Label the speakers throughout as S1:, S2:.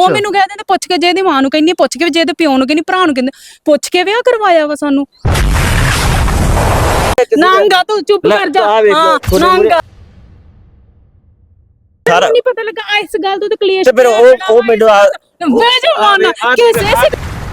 S1: ਉਹ ਮੈਨੂੰ ਕਹਿ ਦਿੰਦੇ ਪੁੱਛ ਕੇ, ਜੇ ਇਹਦੀ ਮਾਂ ਨੂੰ ਕਹਿੰਦੀ ਪੁੱਛ ਕੇ, ਜੇ ਇਹਦੇ ਪਿਓ ਨੂੰ ਕਹਿੰਦੀ, ਭਰਾ ਨੂੰ ਕਹਿੰਦੇ ਪੁੱਛ ਕੇ ਵਿਆਹ ਕਰਵਾਇਆ ਵਾ ਸਾਨੂੰ। ਨਾਂਗਾ ਤੂੰ ਚੁੱਪ ਕਰ ਜਾ। ਹਾਂ ਨਾਂਗਾ
S2: ਸਾਰਾ
S1: ਨਹੀਂ ਪਤਾ ਲੱਗਾ ਇਸ ਗੱਲ ਤੋਂ, ਤੇ ਕਲੇਸ਼
S2: ਤੇ ਫਿਰ ਉਹ ਮੈਨੂੰ
S1: ਕਿਸੇ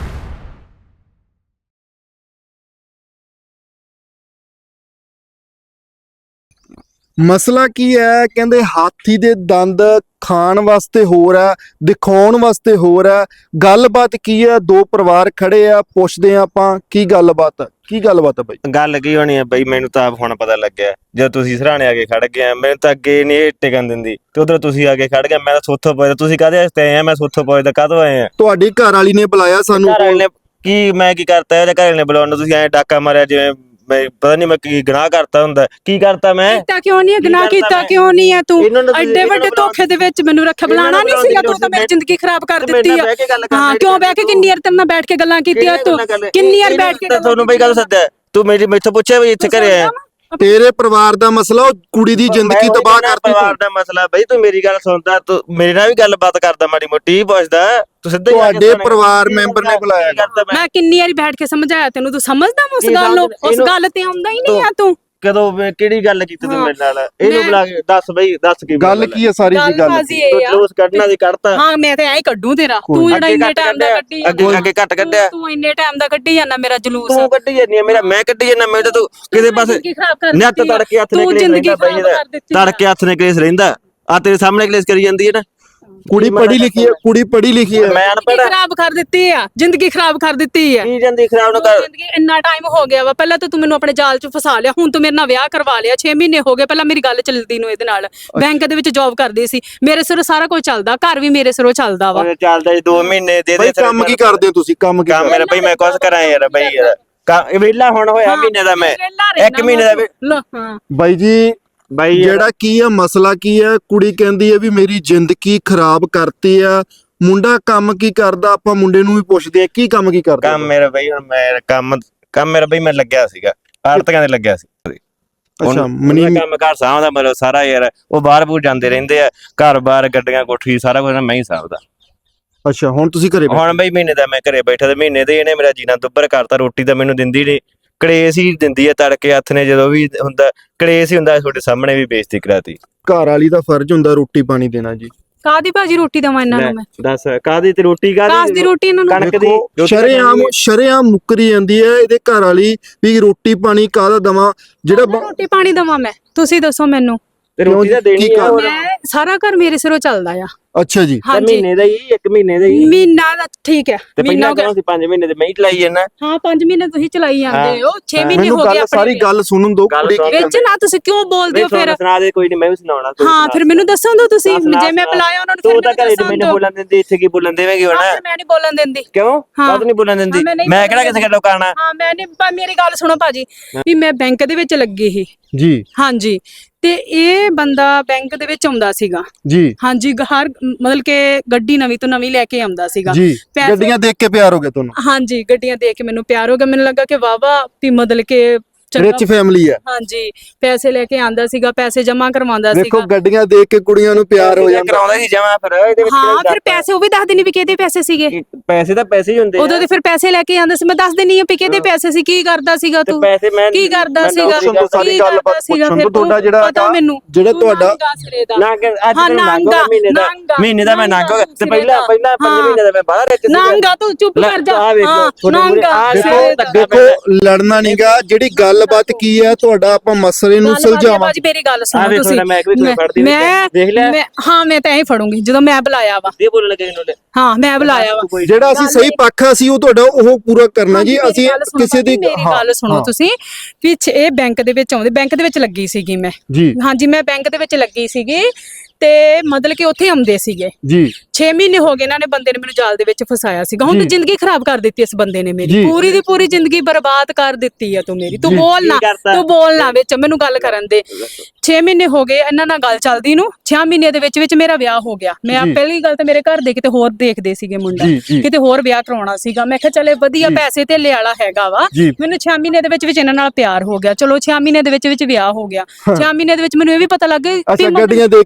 S3: ਮਸਲਾ ਕੀ ਹੈ? ਕਹਿੰਦੇ ਹਾਥੀ ਦੇ ਦੰਦ ਖਾਣ ਵਾਸਤੇ ਹੋਰ ਹੈ, ਦਿਖਾਉਣ ਵਾਸਤੇ ਹੋਰ ਹੈ। ਗੱਲਬਾਤ ਕੀ ਹੈ? ਦੋ ਪਰਿਵਾਰ ਖੜੇ ਆ, ਪੁੱਛਦੇ ਆ ਆਪਾਂ ਕੀ ਗੱਲਬਾਤ ਹੈ। ਕੀ ਗੱਲਬਾਤ ਹੈ ਬਾਈ?
S2: ਗੱਲ ਕੀ ਹੋਣੀ ਹੈ ਬਈ, ਮੈਨੂੰ ਤਾਂ ਹੁਣ ਪਤਾ ਲੱਗਿਆ ਜਦੋਂ ਤੁਸੀਂ ਸਰਾਣੇ ਆ ਕੇ ਖੜ ਗਏ। ਮੈਨੂੰ ਤਾਂ ਅੱਗੇ ਨਹੀਂ ਟਿਕਣ ਦਿੰਦੀ ਤੇ ਉਧਰ ਤੁਸੀਂ ਆ ਕੇ ਖੜ ਗਏ। ਮੈਂ ਤਾਂ ਸੋਥੋਂ ਪੁੱਛਦਾ, ਤੁਸੀਂ ਕਾਹਦੇ ਵਾਸਤੇ ਆਏ ਆ? ਮੈਂ ਸੋਥੋਂ ਪੁੱਛਦਾ ਕਾਹਤੋਂ ਆਏ ਆ?
S3: ਤੁਹਾਡੀ ਘਰ ਵਾਲੀ ਨੇ ਬੁਲਾਇਆ ਸਾਨੂੰ।
S2: ਘਰ ਵਾਲੇ ਨੇ ਕੀ, ਮੈਂ ਕੀ ਕਰਤਾ? ਇਹਦੇ ਘਰ ਵਾਲੇ ਨੇ ਬੁਲਾਉਣ ਨੂੰ ਤੁਸੀਂ ਐਂ ਡਾਕਾ ਮਾਰਿਆ ਜਿਵੇਂ ਮੈਂ ਪਤਾ ਨਹੀਂ ਮੈਂ ਕੀ ਗੁਨਾਹ ਕਰਤਾ ਹੁੰਦਾ। ਕੀ ਕਰਤਾ ਮੈਂ?
S1: ਕੀਤਾ ਕਿਉਂ ਨਹੀਂ? ਗੁਨਾਹ ਕੀਤਾ ਕਿਉਂ ਨਹੀਂ ਹੈ ਤੂੰ? ਐਡੇ ਵੱਡੇ ਧੋਖੇ ਦੇ ਵਿੱਚ ਮੈਨੂੰ ਰੱਖ ਬੁਲਾਣਾ ਨਹੀਂ ਸੀਗਾ। ਤੂੰ ਤਾਂ ਮੇਰੀ ਜ਼ਿੰਦਗੀ ਖਰਾਬ ਕਰ ਦਿੱਤੀ ਆ। ਹਾਂ ਕਿਉਂ ਬਹਿ ਕੇ ਕਿੰਨੀ ਵਾਰ ਤੇਰੇ ਨਾਲ ਬੈਠ ਕੇ ਗੱਲਾਂ ਕੀਤੀਆਂ ਤੂੰ? ਕਿੰਨੀ ਵਾਰ ਬੈਠ ਕੇ
S2: ਤੁਹਾਨੂੰ ਬਈ ਗੱਲ ਸੱਦਿਆ ਤੂੰ? ਮੈਥੋਂ ਪੁੱਛਿਆ ਵੀ ਇੱਥੇ ਘਰੇ ਆਇਆ?
S3: ਤੇਰੇ ਪਰਿਵਾਰ ਦਾ ਮਸਲਾ, ਉਹ ਕੁੜੀ ਦੀ ਜ਼ਿੰਦਗੀ ਤਬਾਹ ਕਰਤੀ।
S2: ਪਰਿਵਾਰ ਦਾ ਮਸਲਾ ਬਈ, ਤੂੰ ਮੇਰੀ ਗੱਲ ਸੁਣਦਾ, ਤੂੰ ਮੇਰੇ ਨਾਲ ਵੀ ਗੱਲਬਾਤ ਕਰਦਾ, ਮਾੜੀ ਮੋਟੀ ਪੁੱਛਦਾ। ਤੂੰ ਸਿੱਧਾ ਹੀ
S3: ਤੁਹਾਡੇ ਪਰਿਵਾਰ ਮੈਂਬਰ ਨੇ ਬੁਲਾਇਆ।
S1: ਮੈਂ ਕਿੰਨੀ ਵਾਰੀ ਬੈਠ ਕੇ ਸਮਝਾਇਆ ਤੈਨੂੰ, ਤੂੰ ਸਮਝਦਾ ਉਸ ਗੱਲ ਨੂੰ? ਉਸ ਗੱਲ ਤੇ ਆਉਂਦਾ ਹੀ ਨਹੀਂ ਆ ਤੂੰ।
S2: ਕਦੋਂ ਕਿਹੜੀ ਗੱਲ ਕੀਤੀ ਤੂੰ ਮੇਰੇ ਨਾਲ? ਇਹਨੂੰ ਬੁਲਾ ਕੇ ਦੱਸ ਬਈ, ਦੱਸ ਕੀ
S3: ਗੱਲ ਕੀ ਹੈ? ਸਾਰੀ ਜੀ ਗੱਲ
S2: ਜਲੂਸ ਕੱਢਣਾ ਦੀ ਕੱਢਤਾ।
S1: ਹਾਂ ਮੈਂ ਤੇ ਐਂ ਕੱਢੂ ਤੇਰਾ। ਤੂੰ ਜਿਹੜਾ ਇੰਨੇ ਟਾਈਮ ਦਾ ਕੱਢੀ
S2: ਅੱਗੇ ਘੱਟ ਕੱਢਿਆ।
S1: ਤੂੰ ਇੰਨੇ ਟਾਈਮ ਦਾ ਕੱਢੀ ਜਾਂਦਾ ਮੇਰਾ ਜਲੂਸ।
S2: ਤੂੰ ਕੱਢੀ ਜਾਂਦੀ ਆ ਮੇਰਾ, ਮੈਂ ਕੱਢੀ ਜਾਂਦਾ। ਮੈਂ ਤਾਂ ਤੂੰ ਕਿਤੇ ਪਾਸੇ ਨੱਤ ਤੜਕੇ ਹੱਥ ਨੇ ਕਲੇਸ਼ ਰਹਿੰਦਾ ਬਈ ਇਹਦਾ। ਤੜਕੇ ਹੱਥ ਨੇ ਕਲੇਸ਼ ਰਹਿੰਦਾ। ਆ ਤੇਰੇ ਸਾਹਮਣੇ ਕਲੇਸ਼ ਕਰੀ ਜਾਂਦੀ ਹੈ ਨਾ।
S3: ਕੁੜੀ ਪੜ੍ਹੀ ਲਿਖੀ ਹੈ, ਕੁੜੀ ਪੜ੍ਹੀ ਲਿਖੀ ਹੈ।
S2: ਮੈਂ ਅਨਪੜ੍ਹ।
S1: ਖਰਾਬ ਕਰ ਦਿੱਤੀ ਆ ਜ਼ਿੰਦਗੀ, ਖਰਾਬ ਕਰ ਦਿੱਤੀ ਆ।
S2: ਕੀ ਜਾਂਦੀ ਖਰਾਬ ਨਾ ਕਰ।
S1: ਜ਼ਿੰਦਗੀ ਇੰਨਾ ਟਾਈਮ ਹੋ ਗਿਆ ਵਾ। ਪਹਿਲਾਂ ਤਾਂ ਤੂੰ ਮੈਨੂੰ ਆਪਣੇ ਜਾਲ 'ਚ ਫਸਾ ਲਿਆ, ਹੁਣ ਤੂੰ ਮੇਰੇ ਨਾਲ ਵਿਆਹ ਕਰਵਾ ਲਿਆ। 6 ਮਹੀਨੇ ਹੋ ਗਏ ਪਹਿਲਾਂ ਮੇਰੀ ਗੱਲ ਚੱਲਦੀ ਨੂੰ ਇਹਦੇ ਨਾਲ। ਬੈਂਕ ਦੇ ਵਿੱਚ ਜੌਬ ਕਰਦੀ ਸੀ, ਮੇਰੇ ਸਿਰੋਂ ਸਾਰਾ ਕੁਝ ਚੱਲਦਾ, ਘਰ ਵੀ ਮੇਰੇ ਸਿਰੋਂ ਚੱਲਦਾ ਵਾ।
S2: ਚੱਲਦਾ 2 ਮਹੀਨੇ ਦੇ ਦੇ।
S3: ਕੰਮ ਕੀ ਕਰਦੇ ਹੋ ਤੁਸੀਂ? ਕੰਮ
S2: ਮੇਰਾ ਬਈ ਮੈਂ ਕੁਛ ਕਰਾਂ ਯਾਰ ਬਈ ਯਾਰ। ਵਿਹਲਾ ਹੁਣ ਹੋਇਆ ਮਹੀਨੇ ਦਾ ਮੈਂ, 1 ਮਹੀਨੇ ਦਾ।
S1: ਹਾਂ
S3: ਬਾਈ ਜੀ
S2: ਬਾਈ
S3: ਜਿਹੜਾ ਕੀ ਹੈ ਮਸਲਾ ਕੀ ਹੈ? ਕੁੜੀ ਕਹਿੰਦੀ ਹੈ ਵੀ ਮੇਰੀ ਜ਼ਿੰਦਗੀ ਖਰਾਬ ਕਰਤੀ ਆ। ਮੁੰਡਾ ਕੰਮ ਕੀ ਕਰਦਾ? ਆਪਾਂ ਮੁੰਡੇ ਨੂੰ ਵੀ ਪੁੱਛਦੇ ਆ ਕੀ ਕੰਮ ਕੀ ਕਰਦਾ।
S2: ਕੰਮ ਮੇਰਾ ਬਈ, ਹੁਣ ਮੈਂ ਕੰਮ ਮੇਰਾ ਬਈ ਮੈਂ ਲੱਗਿਆ ਸੀਗਾ ਆੜਤੀਆਂ ਦੇ ਲੱਗਿਆ ਸੀ।
S3: ਅੱਛਾ
S2: ਕੰਮ ਘਰ ਸਾਂਭਦਾ ਮਤਲਬ ਸਾਰਾ ਯਾਰ। ਉਹ ਬਾਹਰ ਬੂਰ ਜਾਂਦੇ ਰਹਿੰਦੇ ਆ, ਘਰ ਬਾਰ ਗੱਡੀਆਂ ਕੋਠੀ ਸਾਰਾ ਕੁਝ ਮੈਂ ਹੀ ਸਾਂਭਦਾ।
S3: ਅੱਛਾ ਹੁਣ ਤੁਸੀਂ ਘਰੇ?
S2: ਹੁਣ ਬਈ ਮਹੀਨੇ ਦਾ ਮੈਂ ਘਰੇ ਬੈਠਾ ਤੇ ਮਹੀਨੇ ਦੇ ਇਹਨੇ ਮੇਰਾ ਜੀਣਾ ਦੁੱਬਰ ਕਰਤਾ। ਰੋਟੀ ਤਾਂ ਮੈਨੂੰ ਦਿੰਦੀ ਨਹੀਂ, ਕਲੇਸ਼ ਹੀ ਦਿੰਦੀ ਹੈ। ਤੜਕੇ ਹੱਥ ਨੇ ਜਦੋਂ ਵੀ ਹੁੰਦਾ ਕਲੇਸ਼ ਹੀ ਹੁੰਦਾ। ਤੁਹਾਡੇ ਸਾਹਮਣੇ ਵੀ ਬੇਇੱਜ਼ਤੀ ਕਰਾਤੀ।
S3: ਘਰ ਵਾਲੀ ਦਾ ਫਰਜ਼ ਹੁੰਦਾ ਰੋਟੀ ਪਾਣੀ ਦੇਣਾ ਜੀ।
S1: ਕਾਦੀ ਭਾਜੀ ਰੋਟੀ ਦਵਾਂ ਇਹਨਾਂ ਨੂੰ ਮੈਂ?
S2: ਦੱਸ ਕਾਦੀ ਤੇ ਰੋਟੀ
S1: ਕਾਸ ਦੀ ਰੋਟੀ ਇਹਨਾਂ ਨੂੰ?
S2: ਕਣਕ ਦੀ।
S3: ਸ਼ਰੇਆਮ ਮੁੱਕਰੀ ਜਾਂਦੀ ਹੈ ਇਹਦੇ ਘਰ ਵਾਲੀ ਵੀ ਰੋਟੀ ਪਾਣੀ ਕਾਹਦਾ ਦਵਾਂ। ਜਿਹੜਾ
S1: ਰੋਟੀ ਪਾਣੀ ਦਵਾਂ ਮੈਂ? ਤੁਸੀਂ ਦੱਸੋ ਮੈਨੂੰ।
S2: ਤੇ ਰੋਟੀ ਤਾਂ ਦੇਣੀ ਆ।
S1: ਮੈਂ ਸਾਰਾ ਘਰ ਮੇਰੇ ਸਿਰੋਂ ਚੱਲਦਾ ਆ।
S3: ਅੱਛਾ ਜੀ।
S2: ਮਹੀਨੇ ਦਾ ਹੀ 1 ਮਹੀਨੇ ਦਾ ਹੀ
S1: ਮਹੀਨਾ ਦਾ ਠੀਕ ਹੈ।
S2: ਤੇ ਪਹਿਲਾਂ ਕਿਉਂ ਸੀ 5 ਮਹੀਨੇ ਤੇ ਮੈਂ ਹੀ ਚਲਾਈ ਜਾਂਦਾ।
S1: ਹਾਂ 5 ਮਹੀਨੇ ਤੁਸੀਂ ਚਲਾਈ ਜਾਂਦੇ ਹੋ। 6 ਮਹੀਨੇ ਹੋ ਗਏ।
S3: ਸਾਰੀ ਗੱਲ ਸੁਣਨ ਦੋ
S1: ਵਿੱਚ ਨਾ ਤੁਸੀਂ ਕਿਉਂ ਬੋਲਦੇ ਹੋ ਫਿਰ?
S2: ਸੁਣਾ ਦੇ ਕੋਈ ਨਹੀਂ, ਮੈਂ ਵੀ ਸੁਣਾਉਣਾ।
S1: ਹਾਂ ਫਿਰ ਮੈਨੂੰ ਦੱਸੋ ਦੋ ਤੁਸੀਂ, ਜੇ ਮੈਂ ਬੁਲਾਇਆ ਉਹਨਾਂ ਨੂੰ।
S2: ਤੂੰ ਤਾਂ ਘਰੇ ਤੇ ਮੈਨੂੰ ਬੋਲਣ ਦਿੰਦੀ, ਇੱਥੇ ਕੀ ਬੋਲਣ ਦੇਵੇਂਗੀ ਹੁਣ?
S1: ਮੈਂ ਨਹੀਂ ਬੋਲਣ ਦਿੰਦੀ।
S2: ਕਿਉਂ? ਕਦ ਨਹੀਂ ਬੋਲਣ ਦਿੰਦੀ? ਮੈਂ ਕਿਹੜਾ ਕਿਸੇ ਗੱਲੋਂ ਕਰਨਾ?
S1: ਹਾਂ ਮੈਂ ਨਹੀਂ। ਮੇਰੀ ਗੱਲ ਸੁਣੋ ਭਾਜੀ, ਵੀ ਮੈਂ ਬੈਂਕ ਦੇ ਵਿੱਚ ਲੱਗੀ ਸੀ
S3: ਜੀ।
S1: ਹਾਂਜੀ ਤੇ ਇਹ ਬੰਦਾ ਬੈਂਕ ਦੇ ਵਿੱਚ ਆਉਂਦਾ ਸੀਗਾ
S3: ਜੀ।
S1: ਹਾਂਜੀ ਹਰ ਮਤਲਬ ਕਿ ਗੱਡੀ ਨਵੀਂ ਤੋਂ ਨਵੀਂ ਲੈ ਕੇ ਆਉਂਦਾ ਸੀਗਾ
S3: ਜੀ। ਗੱਡੀਆਂ ਦੇਖ ਕੇ ਪਿਆਰ ਹੋ ਗਿਆ ਤੁਹਾਨੂੰ?
S1: ਹਾਂਜੀ ਗੱਡੀਆਂ ਦੇਖ ਕੇ ਮੈਨੂੰ ਪਿਆਰ ਹੋ ਗਿਆ। ਮੈਨੂੰ ਲੱਗਾ ਕਿ ਵਾਵਾ ਵੀ ਮਤਲਬ ਕਿ
S3: ਰਿਚ ਫੈਮਿਲੀ ਹੈ।
S1: ਹਾਂਜੀ ਪੈਸੇ ਲੈ ਕੇ ਆਂਦਾ ਸੀਗਾ, ਪੈਸੇ ਜਮਾ ਕਰਵਾਉਂਦਾ ਸੀਗਾ।
S3: ਦੇਖੋ ਗੱਡੀਆਂ ਦੇਖ ਕੇ ਕੁੜੀਆਂ ਨੂੰ ਪਿਆਰ ਹੋ ਜਾਂਦਾ।
S2: ਕਰਾਉਂਦਾ ਸੀ ਜਮਾ ਫਿਰ ਇਹਦੇ ਵਿੱਚ।
S1: ਹਾਂ ਫਿਰ ਪੈਸੇ ਉਹ ਵੀ ਦੱਸ ਦਿੰਦੀ ਵੀ ਕਿਹਦੇ ਪੈਸੇ ਸੀਗੇ।
S2: ਪੈਸੇ ਤਾਂ ਪੈਸੇ ਹੀ ਹੁੰਦੇ
S1: ਉਦੋਂ ਤੇ ਫਿਰ ਪੈਸੇ ਲੈ ਕੇ ਆਂਦਾ ਸੀ। ਮੈਂ ਦੱਸ ਦਿੰਨੀ ਆ ਵੀ ਕਿਹਦੇ ਪੈਸੇ ਸੀ, ਕੀ ਕਰਦਾ ਸੀਗਾ ਤੂੰ,
S2: ਪੈਸੇ ਮੈਂ
S1: ਕੀ ਕਰਦਾ ਸੀਗਾ,
S3: ਸਾਰੀ ਗੱਲ ਪੁੱਛਣ ਤੋਂ ਤੁਹਾਡਾ ਜਿਹੜਾ ਤੁਹਾਡਾ
S2: ਮਹੀਨੇ ਦਾ ਮੈਂ ਨੰਗ ਹੋ ਗਿਆ ਤੇ ਪਹਿਲਾਂ 5 ਮਹੀਨੇ ਦਾ ਮੈਂ ਬਾਹਰ ਵਿੱਚ
S1: ਨੰਗਾ। ਤੂੰ ਚੁੱਪ ਕਰ ਜਾ।
S3: ਦੇਖੋ ਲੜਨਾ ਨਹੀਂਗਾ, ਜਿਹੜੀ ਗੱਲਬਾਤ ਕੀ ਹੈ ਤੁਹਾਡਾ ਆਪਾਂ ਮਸਲੇ ਨੂੰ ਸੁਲਝਾਵਾਂਗੇ।
S1: ਭਾਜੀ ਮੇਰੀ ਗੱਲ ਸੁਣੋ ਤੁਸੀਂ। ਮੈਂ ਹਾਂ ਮੈਂ ਤਾਂ ਐਂ ਫੜੂੰਗੀ ਜਦੋਂ ਮੈਂ ਬੁਲਾਇਆ ਵਾ। ਹਾਂ ਮੈਂ ਬੁਲਾਇਆ ਵਾ।
S3: ਜਿਹੜਾ ਅਸੀਂ ਸਹੀ ਪੱਖ ਆ ਸੀ ਉਹ ਤੁਹਾਡਾ ਉਹ ਪੂਰਾ ਕਰਨਾ ਜੀ। ਅਸੀਂ ਕਿਸੇ ਦੀ
S1: ਮੇਰੀ ਗੱਲ ਸੁਣੋ ਤੁਸੀਂ। ਪਿੱਛੇ ਇਹ ਬੈਂਕ ਦੇ ਵਿੱਚ ਆਉਂਦੇ, ਬੈਂਕ ਦੇ ਵਿੱਚ ਲੱਗੀ ਸੀਗੀ ਮੈਂ
S3: ਜੀ।
S1: ਹਾਂਜੀ ਮੈਂ ਬੈਂਕ ਦੇ ਵਿੱਚ ਲੱਗੀ ਸੀਗੀ ਤੇ ਮਤਲਬ ਕਿ ਉੱਥੇ ਆਉਂਦੇ ਸੀਗੇ
S3: ਜੀ।
S1: 6 ਮਹੀਨੇ ਹੋ ਗਏ ਇਹਨਾਂ ਨੇ ਬੰਦੇ ਨੇ ਮੈਨੂੰ ਜਾਲ ਦੇ ਵਿੱਚ ਫਸਾਇਆ ਸੀਗਾ। ਹੁਣ ਤਾਂ ਜ਼ਿੰਦਗੀ ਖਰਾਬ ਕਰ ਦਿੱਤੀ ਇਸ ਬੰਦੇ ਨੇ ਮੇਰੀ। ਪੂਰੀ ਦੀ ਪੂਰੀ ਜ਼ਿੰਦਗੀ ਬਰਬਾਦ ਕਰ ਦਿੱਤੀ ਆ ਤੂੰ ਮੇਰੀ। ਤੂੰ ਬੋਲ ਨਾ ਵਿੱਚ, ਮੈਨੂੰ ਗੱਲ ਕਰਨ ਦੇ। 6 ਮਹੀਨੇ ਹੋ ਗਏ ਇਹਨਾਂ ਨਾਲ ਗੱਲ ਚੱਲਦੀ ਨੂੰ। 6 ਮਹੀਨੇ ਦੇ ਵਿੱਚ ਮੇਰਾ ਵਿਆਹ ਹੋ ਗਿਆ। ਮੈਂ ਪਹਿਲੀ ਗੱਲ ਤਾਂ ਮੇਰੇ ਘਰ ਦੇ ਕਿਤੇ ਹੋਰ ਦੇਖਦੇ ਸੀਗੇ ਮੁੰਡਾ, ਕਿਤੇ ਹੋਰ ਵਿਆਹ ਕਰਾਉਣਾ ਸੀਗਾ। ਮੈਂ ਕਿਹਾ ਚਲੇ ਵਧੀਆ ਪੈਸੇ ਤੇ ਲਿਆਲਾ ਹੈਗਾ ਵਾ। ਮੈਨੂੰ 6 ਮਹੀਨੇ ਦੇ ਵਿੱਚ ਇਹਨਾਂ ਨਾਲ ਪਿਆਰ ਹੋ ਗਿਆ। ਚਲੋ 6 ਮਹੀਨੇ ਦੇ ਵਿੱਚ ਵਿਆਹ ਹੋ ਗਿਆ। 6 ਮਹੀਨੇ ਦੇ ਵਿੱਚ ਮੈਨੂੰ ਇਹ ਵੀ ਪਤਾ ਲੱਗ ਗਿਆ
S3: ਗੱਡੀਆਂ ਦੇਖ ਕੇ ਪਿਆਰ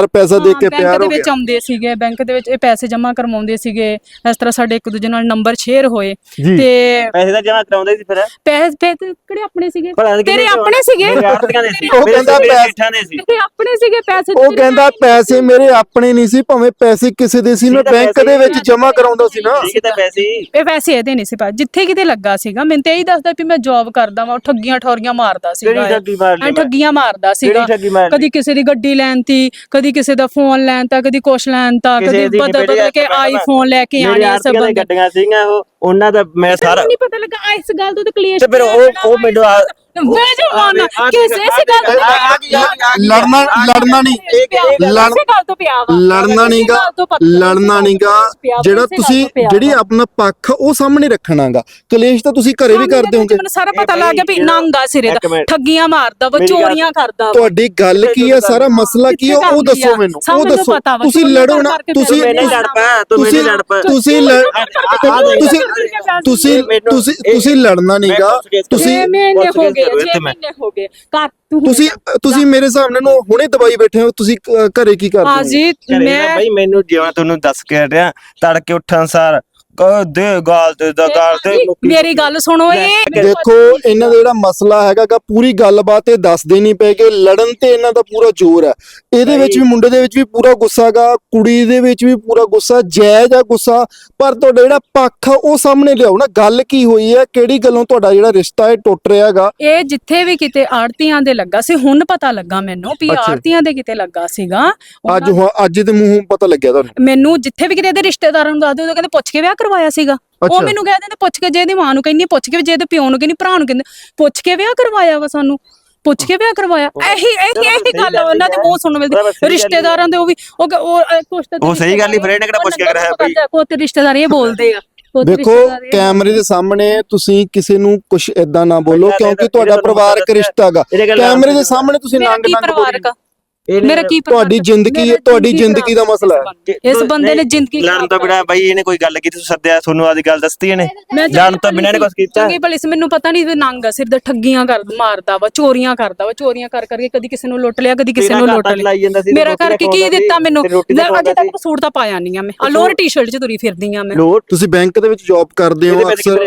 S3: ਪੈਸਾ ਦੇ ਕੇ
S1: ਬੈਂਕ
S3: ਪਿਆਰ
S1: ਦੇ
S3: ਹੋ
S1: ਵਿੱਚ
S3: ਗਿਆ।
S1: ਆਉਂਦੇ ਸੀਗੇ, ਬੈਂਕ ਦੇ ਵਿੱਚ ਇਹ ਪੈਸੇ ਜਮ੍ਹਾਂ ਕਰਵਾਉਂਦੇ ਸੀਗੇ, ਇਸ ਤਰ੍ਹਾਂ ਸਾਡੇ ਇੱਕ ਦੂਜੇ ਨਾਲ ਨੰਬਰ ਸ਼ੇਅਰ ਹੋਏ
S3: ਜੀ।
S1: ਤੇ
S2: ਪੈਸੇ ਤਾਂ ਜਮਾ ਕਰਾਉਂਦੇ ਸੀ ਫਿਰ
S1: ਪੈਸੇ ਕਿਹੜੇ ਆਪਣੇ ਸੀਗੇ,
S2: ਭਲਾ
S1: ਤੇਰੇ ਆਪਣੇ ਸੀਗੇ,
S2: ਮੇਰੇ ਆੜਤੀਆਂ ਦੇ ਸੀ,
S3: ਉਹ
S2: ਮੇਰੇ
S3: ਕਹਿੰਦਾ
S2: ਮੇਰੇ
S3: ਪੈਸੇ-
S2: ਜੇਠਾਂ ਦੇ ਸੀ।
S1: ਤੇਰੇ ਆਪਣੇ ਸੀਗੇ ਪੈਸੇ,
S3: ਉਹ ਕਹਿੰਦਾ ਪੈਸੇ ਮੇਰੇ ਆਪਣੇ ਨਹੀਂ ਸੀ, ਭਾਵੇਂ ਪੈਸੇ ਕਿਸੇ ਦੇ ਸੀ, ਮੈਂ ਬੈਂਕ ਦੇ ਵਿੱਚ ਜਮ੍ਹਾਂ ਕਰਾਉਂਦਾ ਸੀ ਨਾ।
S2: ਠੀਕ ਤਾਂ ਪੈਸੇ
S1: ਇਹ ਪੈਸੇ ਇਹਦੇ ਨਹੀਂ ਸੀ ਪਾ, ਜਿੱਥੇ ਕਿਤੇ ਲੱਗਾ ਸੀਗਾ ਮੈਨੂੰ ਤੇ ਇਹੀ ਦੱਸਦਾ ਵੀ ਮੈਂ ਜੌਬ ਕਰਦਾ ਵਾਂ, ਠੱਗੀਆਂ ਠੋਰੀਆਂ ਮਾਰਦਾ ਸੀਗਾ,
S2: ਕਿਹੜੀ ਠੱਗੀ ਮਾਰ ਲਈ
S1: ਠੱਗੀਆਂ ਮਾਰਦਾ ਸੀਗਾ,
S2: ਕਿਹੜੀ ਠੱਗੀ ਮਾਰ ਲਈ
S1: ਕਦੀ ਕਿਸੇ ਦੀ ਗੱਡੀ ਲੈਣ ਤੀ, ਕਦੀ ਕਿਸੇ ਦਾ ਫੋਨ ਲੈਣ ਤਾ, ਕਦੀ ਕੁਛ ਲੈਣ ਤਾ,
S2: ਕਿਸੇ
S1: ਕਦੀ
S2: ਦੀ
S1: ਬਦਲ ਬਦਲ ਕੇ ਆਈਫੋਨ ਲੈ ਕੇ
S2: ਮੇਰੇ
S1: ਆਣੇ ਸਭ
S2: ਆੜਤੀਆਂ ਦੀਆਂ ਗੱਡੀਆਂ ਸੀਗੀਆਂ ਉਹਨਾਂ ਦਾ ਮੈਂ ਸਾਰਾ
S1: ਨਹੀਂ ਪਤਾ ਲੱਗਾ ਇਸ ਗੱਲ ਤੋਂ ਤੇ ਕਲੀਅਰ
S2: ਤੇ ਫਿਰ ਉਹ ਮੈਨੂੰ
S1: ਬੇਜਮਾਨਾ ਕਿਸੇ ਇਸ ਗੱਲ ਤੋਂ
S3: ਲੜਨਾ ਨਹੀਂ
S1: ਇਸੇ ਗੱਲ ਤੋਂ ਪਿਆ ਵਾ,
S3: ਲੜਨਾ ਨਹੀਂਗਾ, ਲੜਨਾ ਨਹੀਂਗਾ, ਜਿਹੜਾ ਤੁਸੀਂ ਜਿਹੜੀ ਆਪਣਾ ਪੱਖ ਉਹ ਸਾਹਮਣੇ ਰੱਖਣਾਗਾ। ਕਲੇਸ਼ ਤਾਂ ਤੁਸੀਂ ਘਰੇ ਵੀ ਕਰਦੇ ਹੋਗੇ।
S1: ਮੈਨੂੰ ਸਾਰਾ ਪਤਾ ਲੱਗ ਗਿਆ ਵੀ ਨੰਗਾ ਸਿਰੇ ਦਾ, ਠੱਗੀਆਂ ਮਾਰਦਾ ਵਾ, ਚੋਰੀਆਂ ਕਰਦਾ ਵਾ।
S3: ਤੁਹਾਡੀ ਗੱਲ ਕੀ ਹੈ, ਸਾਰਾ ਮਸਲਾ ਕੀ ਹੈ ਉਹ ਦੱਸੋ ਮੈਨੂੰ, ਉਹ ਦੱਸੋ। ਤੁਸੀਂ ਲੜੋ ਨਾ, ਤੁਸੀਂ
S2: ਮੈਨੇ ਲੜ ਪਾ, ਤੂੰ ਮੈਨੇ ਲੜ ਪਾ,
S3: ਤੁਸੀਂ ਲੜਨਾ ਨਹੀਂਗਾ। ਤੁਸੀਂ
S1: ਹੋ ਗਏ ਘਰ
S3: ਤੁਸੀਂ ਮੇਰੇ ਸਾਹਮਣੇ ਨੂੰ ਹੁਣੇ ਦਵਾਈ ਬੈਠੇ ਹੋ, ਤੁਸੀਂ ਘਰੇ ਕੀ ਕਰਦੇ ਹੋ?
S1: ਹਾਂ ਜੀ ਮੈਂ
S2: ਬਈ ਮੈਨੂੰ ਜਿਵੇਂ ਤੁਹਾਨੂੰ ਦੱਸ ਕੇ ਹਟਿਆ, ਤੜਕੇ ਉੱਠਣ ਸਾਰ ਦੇ ਗਾਲ ਤੇ ਦਾ ਗਾਲ ਤੇ
S1: ਮੇਰੀ ਗੱਲ ਸੁਣੋ, ਇਹ
S3: ਦੇਖੋ ਇਹਨਾਂ ਦਾ ਜਿਹੜਾ ਮਸਲਾ ਹੈਗਾ ਪੂਰੀ ਗੱਲਬਾਤ ਇਹ ਦੱਸਦੇ ਨਹੀਂ ਪਏ ਕਿ ਲੜਨ ਤੇ ਇਹਨਾਂ ਦਾ ਪੂਰਾ ਜ਼ੋਰ ਹੈ। ਇਹਦੇ ਵਿੱਚ ਵੀ ਮੁੰਡੇ ਦੇ ਵਿੱਚ ਵੀ ਪੂਰਾ ਗੁੱਸਾ ਗਾ, ਕੁੜੀ ਦੇ ਵਿੱਚ ਵੀ ਪੂਰਾ ਗੁੱਸਾ, ਜਾਇਜ਼ ਆ ਗੁੱਸਾ, ਪਰ ਤੁਹਾਡਾ ਜਿਹੜਾ ਪੱਖ ਆ ਉਹ ਸਾਹਮਣੇ ਲਿਆਓ ਨਾ। ਗੱਲ ਕੀ ਹੋਈ ਹੈ, ਕਿਹੜੀ ਗੱਲੋਂ ਤੁਹਾਡਾ ਜਿਹੜਾ ਰਿਸ਼ਤਾ ਹੈ ਟੁੱਟ ਰਿਹਾ ਹੈਗਾ?
S1: ਇਹ ਜਿੱਥੇ ਵੀ ਕਿਤੇ ਆੜਤੀਆਂ ਦੇ ਲੱਗਾ ਸੀ, ਹੁਣ ਪਤਾ ਲੱਗਾ ਮੈਨੂੰ ਵੀ
S3: ਅੱਛਾ।
S1: ਆੜਤੀਆਂ ਦੇ ਕਿਤੇ ਲੱਗਾ ਸੀਗਾ।
S3: ਅੱਜ ਦੇ ਮੂੰਹੋਂ ਪਤਾ ਲੱਗਿਆ ਤੁਹਾਨੂੰ?
S1: ਮੈਨੂੰ ਜਿੱਥੇ ਵੀ ਕਿਤੇ ਇਹਦੇ ਰਿਸ਼ਤੇਦਾਰਾਂ ਨੂੰ ਦੱਸਦੇ ਉਹ ਕਹਿੰਦੇ ਪੁੱਛ ਕੇ ਵਿਆਹ ਕਰਵਾਇਆ ਸੀਗਾ। ਉਹ ਮੈਨੂੰ ਕਹਿ ਦਿੰਦੇ ਪੁੱਛ ਕੇ, ਜੇ ਇਹਦੀ ਮਾਂ ਨੂੰ ਕਹਿੰਦੀ ਪੁੱਛ ਕੇ, ਜੇ ਇਹਦੇ ਪਿਓ ਨੂੰ ਕਹਿੰਦੀ, ਭਰਾ ਨੂੰ ਕਹਿੰਦੇ ਪੁੱਛ ਕੇ ਵਿਆਹ ਕਰਵਾਇਆ ਵਾ, ਸਾਨੂੰ ਪੁੱਛ ਕੇ ਵਿਆਹ ਕਰਵਾਇਆ। ਇਹੀ ਗੱਲ ਉਹਨਾਂ ਦੇ ਮੂੰਹ ਸੁਣਨ ਮਿਲਦੀ ਰਿਸ਼ਤੇਦਾਰਾਂ ਦੇ। ਉਹ ਵੀ ਕੁਛ ਤਾਂ
S2: ਉਹ ਸਹੀ ਗੱਲ ਹੀ, ਫਿਰ ਇਹਨੇ ਕਿਹੜਾ ਪੁੱਛ ਕੇ ਕਰਾਇਆ ਬਈ?
S1: ਕੋਈ ਤੇ ਰਿਸ਼ਤੇਦਾਰ ਇਹ ਬੋਲਦੇ ਆ।
S3: ਦੇਖੋ ਕੈਮਰੇ ਦੇ ਸਾਹਮਣੇ ਤੁਸੀਂ ਕਿਸੇ ਨੂੰ ਕੁਝ ਏਦਾਂ ਨਾ ਬੋਲੋ, ਕਿਉਂਕਿ ਤੁਹਾਡਾ ਪਰਿਵਾਰਕ ਰਿਸ਼ਤਾ ਹੈਗਾ। ਕੈਮਰੇ ਦੇ ਸਾਹਮਣੇ ਤੁਸੀਂ ਨੰਗ
S1: ਪਰਿਵਾਰਕ ਮੇਰਾ ਕੀ
S3: ਤੁਹਾਡੀ ਜ਼ਿੰਦਗੀ ਦਾ ਮਸਲਾ ਹੈ।
S1: ਇਸ ਬੰਦੇ ਨੇ ਜ਼ਿੰਦਗੀ
S2: ਲੜਨ ਤੋਂ ਬਿਨਾਂ ਬਾਈ ਇਹਨੇ ਕੋਈ ਗੱਲ ਕੀਤੀ, ਸੱਦਿਆ ਤੁਹਾਨੂੰ ਆਦੀ ਗੱਲ ਦੱਸਤੀ ਇਹਨੇ? ਲੜਨ ਤੋਂ ਬਿਨਾਂ ਇਹਨੇ ਕੁਝ ਕੀਤਾ?
S1: ਚੰਗੀ ਭਲੀ ਮੈਨੂੰ ਪਤਾ ਨਹੀਂ ਨੰਗ ਸਿਰ ਦਾ, ਠੱਗੀਆਂ ਮਾਰਦਾ ਵਾ, ਚੋਰੀਆਂ ਕਰਦਾ ਵਾ, ਚੋਰੀਆਂ ਕਰ ਕਰਕੇ ਕਦੀ ਕਿਸੇ ਨੂੰ ਲੁੱਟ ਲਿਆ, ਕਦੀ ਕਿਸੇ ਨੂੰ ਲੁੱਟ ਲਿਆ। ਮੇਰਾ ਕਰਕੇ ਕੀ ਦਿੱਤਾ ਮੈਨੂੰ? ਅਜੇ ਤੱਕ ਸੂਟ ਤਾਂ ਪਾਇਆ ਨਹੀਂ ਆ ਮੈਂ, ਆ ਲੋਅਰ ਟੀ-ਸ਼ਰਟ 'ਚ ਤੁਰੀ ਫਿਰਦੀ ਆ ਮੈਂ।
S3: ਤੁਸੀਂ ਬੈਂਕ ਦੇ ਵਿੱਚ ਜੌਬ ਕਰਦੇ ਹੋ ਅਕਸਰ,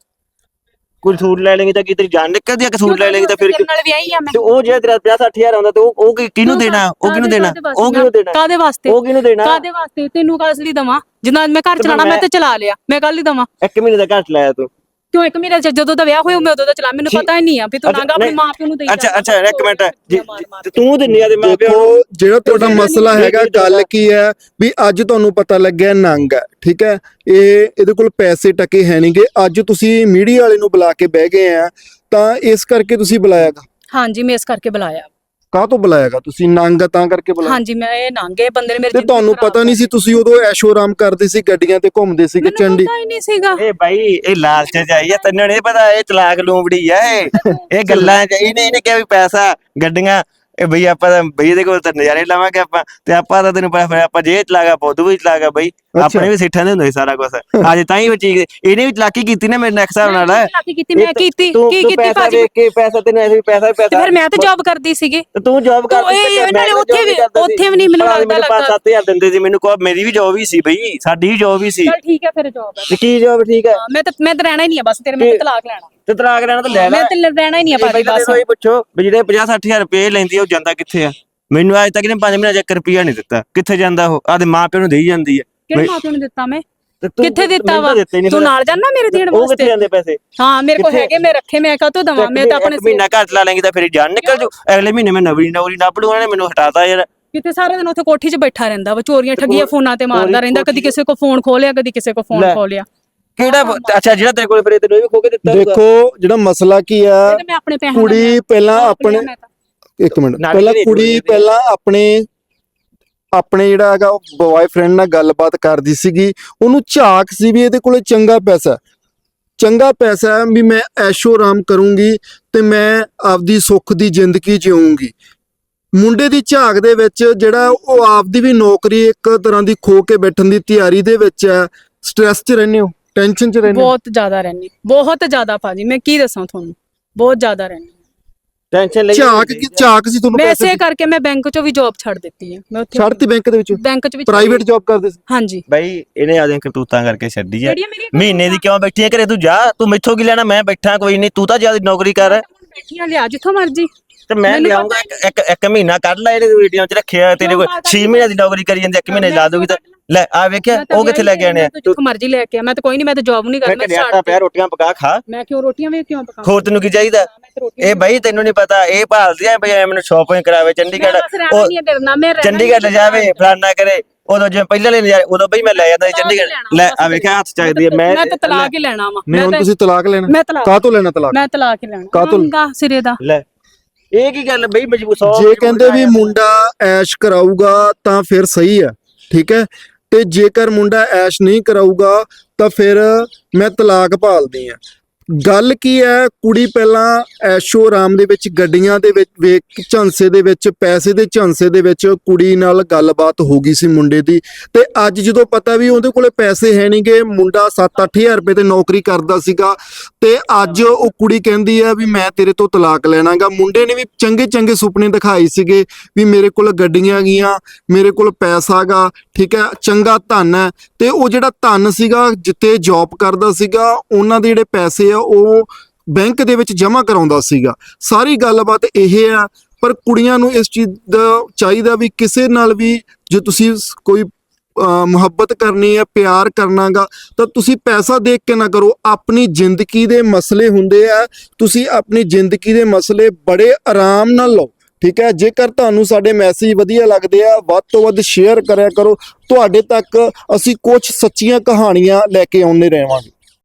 S2: ਕੋਈ ਸੂਟ ਲੈ ਲੇਗੀ ਤਾਂ ਕੀ ਤੇਰੀ ਜਾਨ ਨਿਕਲਦੀ ਆ? ਕਿ ਸੂਟ ਲੈ ਲੇਗੀ ਤਾਂ ਫਿਰ
S1: ਨਾਲ ਵਿਆਹੀ ਆ ਮੈਂ।
S2: ਤੇ ਉਹ ਜੇ ਤੇਰਾ 50-60,000 ਆਉਂਦਾ ਤੇ ਉਹ ਕਿਹਨੂੰ ਦੇਣਾ? ਉਹ ਕਿਹਨੂੰ ਦੇਣਾ? ਉਹ ਕਿਹਨੂੰ ਦੇਣਾ?
S1: ਕਾਦੇ ਵਾਸਤੇ?
S2: ਉਹ ਕਿਹਨੂੰ ਦੇਣਾ?
S1: ਕਾਦੇ ਵਾਸਤੇ? ਤੈਨੂੰ ਕਾਸ ਲਈ ਦਵਾਂ? ਜਿੰਨਾ ਮੈਂ ਘਰ ਚਲਾਣਾ ਮੈਂ ਤੇ ਚਲਾ ਲਿਆ, ਮੈਂ ਕੱਲ ਹੀ ਦਵਾਂ।
S2: 1 ਮਹੀਨੇ ਦਾ ਘੱਟ ਲਾਇਆ ਤੂੰ
S1: ਕਿਉਂ? 1 ਮਹੀਨੇ ਜਦੋਂ ਦਾ ਵਿਆਹ ਹੋਇਆ ਮੈਂ ਉਦੋਂ ਦਾ ਚਲਾ, ਮੈਨੂੰ ਪਤਾ ਹੀ ਨਹੀਂ ਆ ਵੀ ਤੂੰ ਨਾਂਗਾ ਆਪਣੇ ਮਾਪਿਆਂ ਨੂੰ ਦੇਈ ਜਾ।
S2: ਅੱਛਾ 1 ਮਿੰਟ, ਤੂੰ ਦਿੰਨੀ ਆ ਦੇ ਮਾਪਿਆਂ ਨੂੰ?
S3: ਦੇਖੋ ਜਿਹੜਾ ਤੁਹਾਡਾ ਮਸਲਾ ਹੈਗਾ, ਗੱਲ ਕੀ ਹੈ ਵੀ ਅੱਜ ਤੁਹਾਨੂੰ ਪਤਾ ਲੱਗਿਆ ਨੰਗ ਹੈ, ਠੀਕ ਹੈ, ਇਹਦੇ ਕੋਲ ਪੈਸੇ ਟਕੇ ਹੈ ਨਹੀਂਗੇ, ਅੱਜ ਤੁਸੀਂ ਮੀਡੀਆ ਵਾਲੇ ਨੂੰ ਬੁਲਾ ਕੇ ਬਹਿ ਗਏ ਆ, ਤਾਂ ਇਸ ਕਰਕੇ ਤੁਸੀਂ ਬੁਲਾਇਆਗਾ?
S1: ਹਾਂਜੀ ਮੈਂ ਇਸ ਕਰਕੇ ਬੁਲਾਇਆ।
S3: ਕਾਹ ਤੋਂ ਬੁਲਾਇਆਗਾ ਤੁਸੀਂ? ਨੰਗ ਤਾਂ ਕਰਕੇ ਬੁਲਾਇਆ?
S1: ਹਾਂਜੀ ਮੈਂ ਇਹ ਨੰਗੇ ਬੰਦੇ ਨੇ ਮੇਰੇ
S3: ਤੇ ਤੁਹਾਨੂੰ ਪਤਾ ਨਹੀਂ ਸੀ? ਤੁਸੀਂ ਉਦੋਂ ਐਸ਼ੋ ਆਰਾਮ ਕਰਦੇ ਸੀ, ਗੱਡੀਆਂ ਤੇ ਘੁੰਮਦੇ ਸੀਗੇ ਚੰਡੀ।
S1: ਪਤਾ ਹੀ ਨਹੀਂ ਸੀਗਾ।
S2: ਇਹ ਬਾਈ ਇਹ ਲਾਲਚ ਚ ਆਈ ਆ, ਤੈਨੂੰ ਨਹੀਂ ਪਤਾ ਇਹ ਚਲਾਕ ਲੂੰਬੜੀ ਆ। ਇਹ ਗੱਲਾਂ ਚ ਇਹਨੇ ਕਿਹਾ ਵੀ ਪੈਸਾ ਗੱਡੀਆਂ, ਇਹ ਬਈ ਆਪਾਂ ਤਾਂ ਬਈ ਇਹਦੇ ਕੋਲ ਤਾਂ ਨਜ਼ਾਰੇ ਲਾਵਾਂਗੇ ਆਪਾਂ, ਤੇ ਆਪਾਂ ਤਾਂ ਤੈਨੂੰ ਪਤਾ ਫਿਰ ਆਪਾਂ ਜੇ ਚਲਾਗਾ ਪੌਦੂ ਵੀ ਚਲਾਗਾ ਬਈ, ਆਪਣੇ ਵੀ ਸਿੱਠਾਂ ਦੇ ਹੁੰਦੇ ਸਾਰਾ ਕੁਝ। ਅੱਜ ਤਾਂ ਹੀ ਚੀਜ਼ ਇਹਨੇ ਵੀ ਚਲਾਕੀ ਕੀਤੀ ਨਾ ਮੇਰੇ ਨਾਲ ਹਿਸਾਬ ਨਾਲ।
S1: ਚਲਾਕੀ ਕੀਤੀ ਮੈਂ ਕੀਤੀ ਕੀ ਕੀਤੀ
S2: ਭਾਜੀ? ਵੇਖ ਕੇ ਪੈਸਾ ਤੈਨੂੰ ਐਸੇ ਵੀ ਪੈਸਾ
S1: ਫਿਰ ਮੈਂ ਤਾਂ ਜੌਬ ਕਰਦੀ ਸੀਗੀ।
S2: ਤੇ ਤੂੰ ਜੌਬ ਕਰਦੀ
S1: ਨਾਲੇ ਉੱਥੇ ਵੀ ਨਹੀਂ ਮੈਨੂੰ ਲੱਗਦਾ
S2: 5-7 ਹਜ਼ਾਰ ਦਿੰਦੇ ਸੀ ਮੈਨੂੰ। ਮੇਰੀ ਵੀ ਜੌਬ ਹੀ ਸੀ ਬਈ, ਸਾਡੀ ਵੀ ਜੌਬ ਹੀ ਸੀ।
S1: ਚਲ ਠੀਕ ਹੈ ਫਿਰ ਜੌਬ ਹੈ।
S2: ਕੀ ਜੌਬ? ਠੀਕ ਹੈ
S1: ਮੈਂ ਤਾਂ ਰਹਿਣਾ ਹੀ ਨਹੀਂ ਆ ਬਸ ਤੇਰੇ, ਮੈਂ ਤਲਾਕ ਲੈਣਾ।
S2: ਤੇ ਤਲਾਕ ਲੈਣਾ ਤਾਂ ਲੈ ਲੈ,
S1: ਮੈਂ ਤੇ ਰਹਿਣਾ ਹੀ ਨਹੀਂ ਆ ਭਾਜੀ ਬਸ।
S2: ਇਹ ਪੁੱਛੋ ਵੀ ਜਿਹੜੇ 50-60 ਹਜ਼ਾਰ ਰੁਪਏ ਲੈਂਦੀ ਆ ਉਹ ਜਾਂਦਾ ਕਿੱਥੇ ਆ? ਮੈਨੂੰ ਅੱਜ ਤੱਕ ਇਹਨੇ 5 ਮਹੀਨਿਆਂ 'ਚ 1 ਰੁਪਿਆ ਨਹੀਂ ਦਿੱਤਾ। ਕਿੱਥੇ ਜਾਂਦਾ ਉਹ? ਆਦੇ ਮਾਪਿਆਂ ਨੂੰ ਦੇਈ ਜਾਂਦੀ ਹੈ।
S1: ਕਿਹੜੇ ਮਾਪਿਆਂ ਨੂੰ ਦਿੱਤਾ ਮੈਂ? ਕਿੱਥੇ ਦਿੱਤਾ ਵਾ? ਤੂੰ ਨਾਲ ਜਾਣਾ ਮੇਰੇ ਦੇਣ ਵਾਸਤੇ?
S2: ਉਹ ਕਿੱਥੇ ਜਾਂਦੇ ਪੈਸੇ?
S1: ਹਾਂ ਮੇਰੇ ਕੋਲ ਹੈਗੇ, ਮੈਂ ਰੱਖੇ, ਮੈਂ ਕਾਹਤੋਂ ਦਵਾਂ? ਮੈਂ ਤਾਂ ਆਪਣੇ
S2: ਮਹੀਨਾ ਘੱਟ ਲਾ ਲੈਂਗੀ ਤਾਂ ਫਿਰ ਜਾਨ ਨਿਕਲ ਜੂ। ਅਗਲੇ ਮਹੀਨੇ ਮੈਂ ਨਵੀਂ ਨੌਕਰੀ ਲੱਭ ਲੂ, ਉਹਨੇ ਮੈਨੂੰ ਹਟਾਤਾ ਯਾਰ।
S1: ਕਿਤੇ ਸਾਰਾ ਦਿਨ ਉੱਥੇ ਕੋਠੀ 'ਚ ਬੈਠਾ ਰਹਿੰਦਾ ਵਾ, ਚੋਰੀਆਂ ਠੱਗੀਆਂ ਫੋਨਾਂ ਤੇ ਮਾਰਦਾ ਰਹਿੰਦਾ, ਕਦੀ ਕਿਸੇ ਕੋ ਫੋਨ ਖੋਲਿਆ, ਕਦੀ ਕਿਸੇ ਕੋ ਫੋਨ ਖੋਲਿਆ।
S2: ਕਿਹੜਾ? ਅੱਛਾ ਜਿਹੜਾ ਤੇਰੇ ਕੋਲ ਫਿਰ ਤੈਨੂੰ ਇਹ ਵੀ ਖੋ ਕੇ ਦਿੱਤਾ?
S3: ਦੇਖੋ ਜਿਹੜਾ ਮਸਲਾ ਕੀ ਆ,
S1: ਮੈਂ ਆਪਣੇ ਪੈਸੇ
S3: ਕੁੜੀ ਪਹਿਲਾਂ ਆਪਣੇ, ਇੱਕ ਮਿੰਟ ਪਹਿਲਾਂ ਕੁੜੀ ਪਹਿਲਾਂ ਆਪਣੇ ਜਿਹੜਾ ਹੈਗਾ ਉਹ ਬॉयਫ੍ਰੈਂਡ ਨਾਲ ਗੱਲਬਾਤ ਕਰਦੀ ਸੀਗੀ, ਉਹਨੂੰ ਝਾਕ ਸੀ ਵੀ ਇਹਦੇ ਕੋਲੇ ਚੰਗਾ ਪੈਸਾ ਹੈ ਵੀ ਮੈਂ ਐਸ਼ੋ ਆਰਾਮ ਕਰੂੰਗੀ ਤੇ ਮੈਂ ਆਪਦੀ ਸੁੱਖ ਦੀ ਜ਼ਿੰਦਗੀ ਜਿਊਂਗੀ। ਮੁੰਡੇ ਦੀ ਝਾਕ ਦੇ ਵਿੱਚ ਜਿਹੜਾ ਉਹ ਆਪਦੀ ਵੀ ਨੌਕਰੀ ਇੱਕ ਤਰ੍ਹਾਂ ਦੀ ਖੋ ਕੇ ਬੈਠਣ ਦੀ ਤਿਆਰੀ ਦੇ ਵਿੱਚ ਹੈ। ਸਟ੍ਰੈਸ 'ਚ ਰਹਿੰਦੇ ਹੋ, ਟੈਨਸ਼ਨ 'ਚ ਰਹਿੰਦੇ ਹੋ?
S1: ਬਹੁਤ ਜ਼ਿਆਦਾ ਰਹਿੰਦੀ, ਬਹੁਤ ਜ਼ਿਆਦਾ ਭਾਜੀ, ਮੈਂ ਕੀ ਦੱਸਾਂ ਤੁਹਾਨੂੰ, ਬਹੁਤ ਜ਼ਿਆਦਾ ਰਹਿੰਦੀ।
S2: ਟੈਨਸ਼ਨ ਲਈ
S3: ਝਾਕ ਸੀ ਤੁਹਾਨੂੰ
S1: ਮੈਂ
S3: ਪੈਸੇ
S1: ਇਸੇ ਕਰਕੇ ਮੈਂ ਬੈਂਕ ਚੋਂ ਵੀ ਜੌਬ ਛੱਡ ਦਿੱਤੀ ਹੈ। ਮੈਂ ਉੱਥੇ
S3: ਛੱਡਤੀ ਬੈਂਕ ਦੇ ਵਿੱਚ
S1: ਬੈਂਕ ਚ ਵੀ
S3: ਪ੍ਰਾਈਵੇਟ ਜੌਬ ਕਰਦੇ ਸੀ
S1: ਹਾਂਜੀ।
S2: ਬਈ ਇਹਨੇ ਆਦੀਆਂ ਕਰਤੂਤਾਂ ਕਰਕੇ ਛੱਡੀ ਆ।
S1: ਜਿਹੜੀਆਂ ਮੇਰੀਆਂ
S2: ਮਹੀਨੇ ਦੀ ਕਿਉਂ ਬੈਠੀ ਆ ਘਰੇ? ਤੂੰ ਜਾ, ਤੂੰ ਮੈਥੋਂ ਕੀ ਲੈਣਾ? ਮੈਂ ਬੈਠਾ ਕੋਈ ਨਹੀਂ, ਤੂੰ ਤਾਂ ਜਿਆਦਾ ਨੌਕਰੀ ਕਰ।
S1: ਬੈਠੀਆਂ ਲਿਆ ਜਿੱਥੋਂ ਮਰਜੀ
S2: ਤੇ ਮੈਂ
S1: ਮੈਨੂੰ
S2: ਲਿਆਉਂਗਾ ਇੱਕ ਮਹੀਨਾ ਕੱਢ ਲੈ, ਇਹਦੇ ਵੀਡੀਓ 'ਚ ਰੱਖਿਆ ਤੇਰੇ ਕੋਲ 6 ਮਹੀਨੇ ਦੀ ਨੌਕਰੀ ਕਰੀ ਜਾਂਦੀ, 1 ਮਹੀਨੇ ਲਾ ਦੂਗੀ ਤਾਂ ਲੈ ਆ ਵੇਖਿਆ ਉਹ ਕਿੱਥੇ ਲੈ ਕੇ ਆਣੇ ਆ?
S1: ਜਿੱਥੋਂ ਮਰਜੀ ਲੈ ਕੇ ਆ। ਮੈਂ ਤਾਂ ਕੋਈ ਨਹੀਂ, ਮੈਂ ਤਾਂ ਜੌਬ ਨਹੀਂ ਕਰਦੀ।
S2: ਮੈਂ ਆਟਾ ਪਿਆ, ਰੋਟੀਆਂ ਪਕਾ ਖਾ।
S1: ਮੈਂ ਕਿਉਂ ਰੋਟੀਆਂ ਵੇ ਕਿਉਂ ਪਕਾਵਾਂ?
S2: ਹੋਰ ਤੈਨੂੰ ਕੀ ਚਾਹੀਦਾ? ਇਹ ਬਾਈ ਤੈਨੂੰ ਨਹੀਂ ਪਤਾ, ਇਹ ਭਾਲਦੀ ਆ ਬਈ ਮੈਨੂੰ ਸ਼ਾਪਿੰਗ ਕਰਾਵੇ ਚੰਡੀਗੜ੍ਹ, ਚੰਡੀਗੜ੍ਹ ਲੈ ਜਾਵੇ ਫਲਾਨਾ ਕਰੇ। ਉਦੋਂ ਜਿਵੇਂ ਪਹਿਲਾਂ ਲੈ ਨਜ਼ਾਰੇ, ਉਦੋਂ ਬਈ ਮੈਂ ਲੈ ਜਾਂਦਾ ਸੀ ਚੰਡੀਗੜ੍ਹ। ਲੈ ਆ ਵੇਖਿਆ ਹੱਥ ਚੱਕਦੀ ਆ। ਮੈਂ
S1: ਤਾਂ ਤਲਾਕ ਹੀ ਲੈਣਾ ਵਾ।
S3: ਨਹੀਂ ਹੁਣ ਤੁਸੀਂ ਤਲਾਕ ਲੈਣਾ?
S1: ਮੈਂ ਤਲਾਕ
S3: ਕਾਹਤੋਂ ਲੈਣਾ ਤਲਾਕ?
S1: ਮੈਂ ਤਲਾਕ ਹੀ ਲੈਣਾ।
S3: ਕਾਹਤੋਂ?
S1: ਸਿਰੇ ਦਾ।
S2: ਲੈ ਇਹ ਕੀ ਗੱਲ ਬਈ? ਮਜਬੂਰ
S3: ਜੇ ਕਹਿੰਦੇ ਵੀ ਮੁੰਡਾ ਐਸ਼ ਕਰਾਊਗਾ ਤਾਂ ਫਿਰ ਸਹੀ ਹੈ, ਠੀਕ ਹੈ, ਤੇ ਜੇਕਰ ਮੁੰਡਾ ਐਸ਼ ਨਹੀਂ ਕਰਾਊਗਾ ਤਾਂ ਫਿਰ ਮੈਂ ਤਲਾਕ ਭਾਲਦੀ ਆ। ਗੱਲ ਕੀ ਹੈ, ਕੁੜੀ ਪਹਿਲਾਂ ਐਸ਼ੋ ਆਰਾਮ ਦੇ ਵਿੱਚ ਗੱਡੀਆਂ ਦੇ ਵਿੱਚ ਵੇਖ ਝਾਂਸੇ ਦੇ ਵਿੱਚ ਪੈਸੇ ਦੇ ਝਾਂਸੇ ਦੇ ਵਿੱਚ ਕੁੜੀ ਨਾਲ ਗੱਲਬਾਤ ਹੋ ਗਈ ਸੀ ਮੁੰਡੇ ਦੀ, ਤੇ ਅੱਜ ਜਦੋਂ ਪਤਾ ਵੀ ਉਹਦੇ ਕੋਲੇ ਪੈਸੇ ਹੈ ਨਹੀਂਗੇ, ਮੁੰਡਾ 7-8000 ਰੁਪਏ ਤੇ ਨੌਕਰੀ ਕਰਦਾ ਸੀਗਾ, ਤੇ ਅੱਜ ਉਹ ਕੁੜੀ ਕਹਿੰਦੀ ਆ ਵੀ ਮੈਂ ਤੇਰੇ ਤੋਂ ਤਲਾਕ ਲੈਣਾਗਾ। ਮੁੰਡੇ ਨੇ ਵੀ ਚੰਗੇ ਚੰਗੇ ਸੁਪਨੇ ਦਿਖਾਏ ਸੀਗੇ ਵੀ ਮੇਰੇ ਕੋਲ ਗੱਡੀਆਂ ਗਈਆਂ, ਮੇਰੇ ਕੋਲ ਪੈਸਾ ਗਾ, ਠੀਕ ਹੈ, ਚੰਗਾ ਧਨ ਹੈ, ਤੇ ਉਹ ਜਿਹੜਾ ਧਨ ਸੀਗਾ ਜਿੱਤੇ ਜੌਬ ਕਰਦਾ ਸੀਗਾ, ਉਹਨਾਂ ਦੇ ਜਿਹੜੇ ਪੈਸੇ ਆ ਉਹ ਬੈਂਕ ਦੇ ਵਿੱਚ ਜਮ੍ਹਾਂ ਕਰਾਉਂਦਾ ਸੀਗਾ। ਸਾਰੀ ਗੱਲਬਾਤ ਇਹ ਆ, ਪਰ ਕੁੜੀਆਂ ਨੂੰ ਇਸ ਚੀਜ਼ ਦਾ ਚਾਹੀਦਾ ਵੀ ਕਿਸੇ ਨਾਲ ਵੀ ਜੇ ਤੁਸੀਂ ਕੋਈ ਮੁਹੱਬਤ ਕਰਨੀ ਹੈ, ਪਿਆਰ ਕਰਨਾਗਾ, ਤਾਂ ਤੁਸੀਂ ਪੈਸਾ ਦੇਖ ਕੇ ਨਾ ਕਰੋ। ਆਪਣੀ ਜ਼ਿੰਦਗੀ ਦੇ ਮਸਲੇ ਹੁੰਦੇ ਆ, ਤੁਸੀਂ ਆਪਣੀ ਜ਼ਿੰਦਗੀ ਦੇ ਮਸਲੇ ਬੜੇ ਆਰਾਮ ਨਾਲ ਲਓ, ਠੀਕ ਹੈ। ਜੇਕਰ ਤੁਹਾਨੂੰ ਸਾਡੇ ਮੈਸੇਜ ਵਧੀਆ ਲੱਗਦੇ ਆ, ਵੱਧ ਤੋਂ ਵੱਧ ਸ਼ੇਅਰ ਕਰਿਆ ਕਰੋ। ਤੁਹਾਡੇ ਤੱਕ ਅਸੀਂ ਕੁਝ ਸੱਚੀਆਂ ਕਹਾਣੀਆਂ ਲੈ ਕੇ ਆਉਂਦੇ ਰਹਾਂਗੇ।